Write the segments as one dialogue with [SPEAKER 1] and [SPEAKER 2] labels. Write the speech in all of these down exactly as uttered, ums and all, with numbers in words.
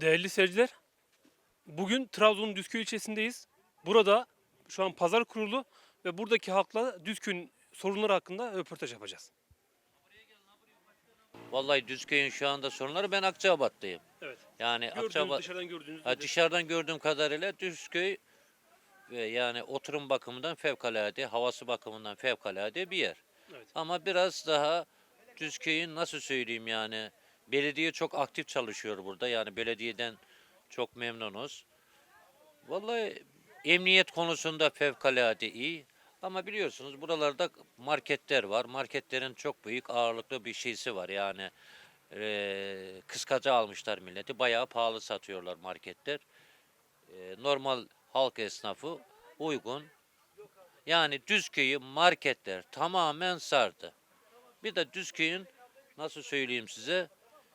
[SPEAKER 1] Değerli seyirciler, bugün Trabzon'un Düzköy ilçesindeyiz. Burada şu an pazar kurulu ve buradaki halkla Düzköy'ün sorunları hakkında röportaj yapacağız.
[SPEAKER 2] Vallahi Düzköy'ün şu anda sorunları, ben Akçabat'tayım.
[SPEAKER 1] Evet.
[SPEAKER 2] Yani
[SPEAKER 1] Gördüğünüz,
[SPEAKER 2] Akçabat,
[SPEAKER 1] dışarıdan gördüğünüz
[SPEAKER 2] ha,
[SPEAKER 1] nedir?
[SPEAKER 2] dışarıdan gördüğüm kadarıyla Düzköy ve yani oturum bakımından fevkalade, havası bakımından fevkalade bir yer.
[SPEAKER 1] Evet.
[SPEAKER 2] Ama biraz daha Düzköy'ün, nasıl söyleyeyim, yani belediye çok aktif çalışıyor burada. Yani belediyeden çok memnunuz. Vallahi emniyet konusunda fevkalade iyi. Ama biliyorsunuz buralarda marketler var. Marketlerin çok büyük ağırlıklı bir şeysi var. Yani eee kıskaca almışlar milleti. Bayağı pahalı satıyorlar marketler. Eee, normal halk esnafı uygun. Yani Düzköy'ü marketler tamamen sardı. Bir de Düzköy'ün, nasıl söyleyeyim size,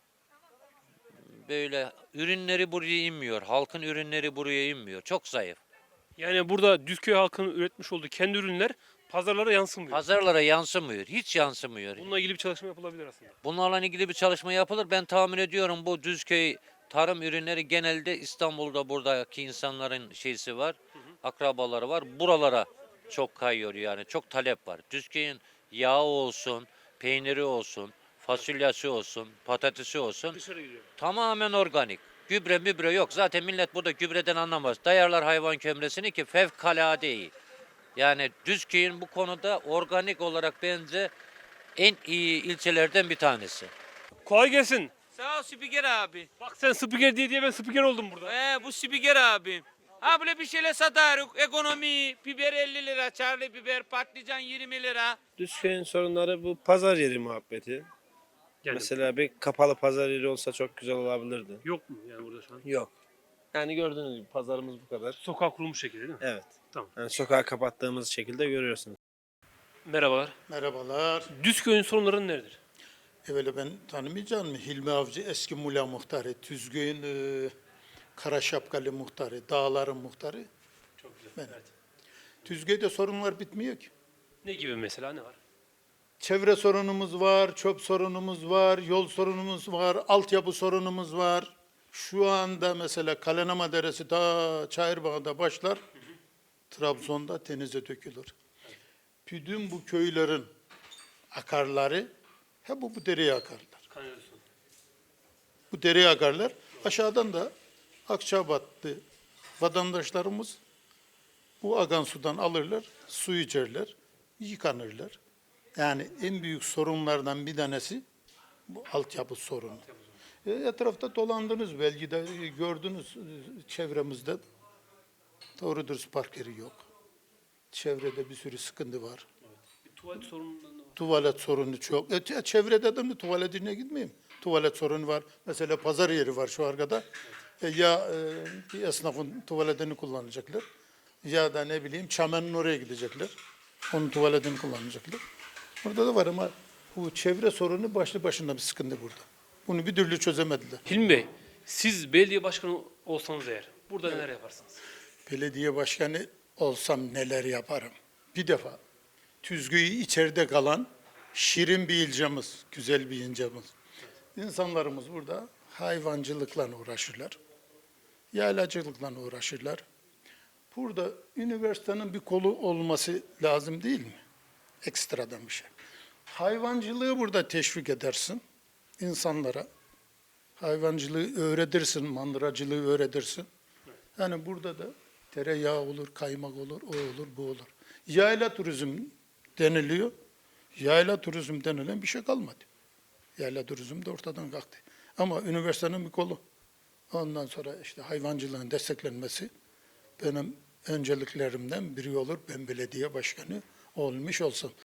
[SPEAKER 2] böyle ürünleri buraya inmiyor. Halkın ürünleri buraya inmiyor. Çok zayıf.
[SPEAKER 1] Yani burada Düzköy halkının üretmiş olduğu kendi ürünler pazarlara yansımıyor.
[SPEAKER 2] Pazarlara yansımıyor. Hiç yansımıyor.
[SPEAKER 1] Bununla ilgili bir çalışma yapılabilir aslında.
[SPEAKER 2] Bunlarla ilgili bir çalışma yapılır. Ben tahmin ediyorum bu Düzköy tarım ürünleri genelde İstanbul'da, buradaki insanların şeysi var. Akrabaları var. Buralara çok kayıyor yani. Çok talep var. Düzköy'ün yağı olsun, peyniri olsun, fasulyesi olsun, patatesi olsun.
[SPEAKER 1] Dışarı gidiyor.
[SPEAKER 2] Tamamen organik. Gübre mübre yok. Zaten millet burada gübreden anlamaz. Dayarlar hayvan kömresini ki fevkalade iyi. Yani Düzköy'ün bu konuda organik olarak bence en iyi ilçelerden bir tanesi.
[SPEAKER 1] Kolay gelsin.
[SPEAKER 3] Sağ ol spiker abi.
[SPEAKER 1] Bak sen spiker diye diye ben spiker oldum burada.
[SPEAKER 3] Ee, bu spiker abi. Ha böyle bir şeyler satarız. Ekonomi, biber elli lira, çarlı biber, patlıcan yirmi lira.
[SPEAKER 4] Düzköy'ün sorunları bu pazar yeri muhabbeti.
[SPEAKER 1] Yani
[SPEAKER 4] Mesela bir kapalı pazar yeri olsa çok güzel olabilirdi.
[SPEAKER 1] yok mu yani burada şu an?
[SPEAKER 4] Yok. Yani gördüğünüz gibi pazarımız bu kadar.
[SPEAKER 1] Sokak kurulmuş şekilde değil mi?
[SPEAKER 4] Evet.
[SPEAKER 1] Tamam.
[SPEAKER 4] Yani sokağı kapattığımız şekilde görüyorsunuz.
[SPEAKER 1] Merhabalar.
[SPEAKER 5] Merhabalar.
[SPEAKER 1] Düzköy'ün sorunları neredir?
[SPEAKER 5] Evvela ben tanımayacağım mı? Hilmi Avcı eski Mula muhtarı, Tüzgöy'ün e, Kara Şapkalı muhtarı, Dağların muhtarı.
[SPEAKER 1] Çok güzel.
[SPEAKER 5] Ben.
[SPEAKER 1] Evet.
[SPEAKER 5] Tüzgöy'de sorunlar bitmiyor ki.
[SPEAKER 1] Ne gibi mesela, ne var?
[SPEAKER 5] Çevre sorunumuz var, çöp sorunumuz var, yol sorunumuz var, altyapı sorunumuz var. Şu anda mesela Kalenama Deresi ta Çayırbağ'da başlar, Trabzon'da denize dökülür. Bütün bu köylerin akarları hep bu, bu dereye akarlar.
[SPEAKER 1] Kanalizasyon.
[SPEAKER 5] Bu dereye akarlar. Aşağıdan da Akçabatlı vatandaşlarımız bu akan sudan alırlar, su içerler, yıkanırlar. Yani en büyük sorunlardan bir tanesi bu altyapı sorunu. E, etrafta dolandınız, belki de e, gördünüz e, çevremizde. Doğru dürüst park yeri yok. Çevrede bir sürü sıkıntı var.
[SPEAKER 1] Bir tuvalet sorunundan da var.
[SPEAKER 5] Tuvalet sorunu çok. E, te- çevrede de mi tuvaletine gitmeyeyim? Tuvalet sorunu var. Mesela pazar yeri var şu arkada. E, ya e, bir esnafın tuvaletini kullanacaklar. Ya da ne bileyim çamenin oraya gidecekler. Onun tuvaletini kullanacaklar. Orada da var ama bu çevre sorunu başlı başına bir sıkıntı burada. Bunu bir türlü çözemediler.
[SPEAKER 1] Hilmi Bey, siz belediye başkanı olsanız eğer burada neler yaparsınız?
[SPEAKER 5] Belediye başkanı olsam neler yaparım? Bir defa Tüzgü'yü içeride kalan şirin bir ilçemiz, güzel bir ilçemiz. İnsanlarımız burada hayvancılıkla uğraşırlar. Yaylacılıkla uğraşırlar. Burada üniversitenin bir kolu olması lazım değil mi? Ekstradan bir şey. Hayvancılığı burada teşvik edersin insanlara. Hayvancılığı öğretirsin, mandıracılığı öğretirsin. Yani burada da tereyağı olur, kaymak olur, o olur, bu olur. Yayla turizm deniliyor. Yayla turizm denilen bir şey kalmadı. Yayla turizm de ortadan kalktı. Ama üniversitenin bir kolu. Ondan sonra işte hayvancılığın desteklenmesi benim önceliklerimden biri olur. Ben belediye başkanı olmuş olsam.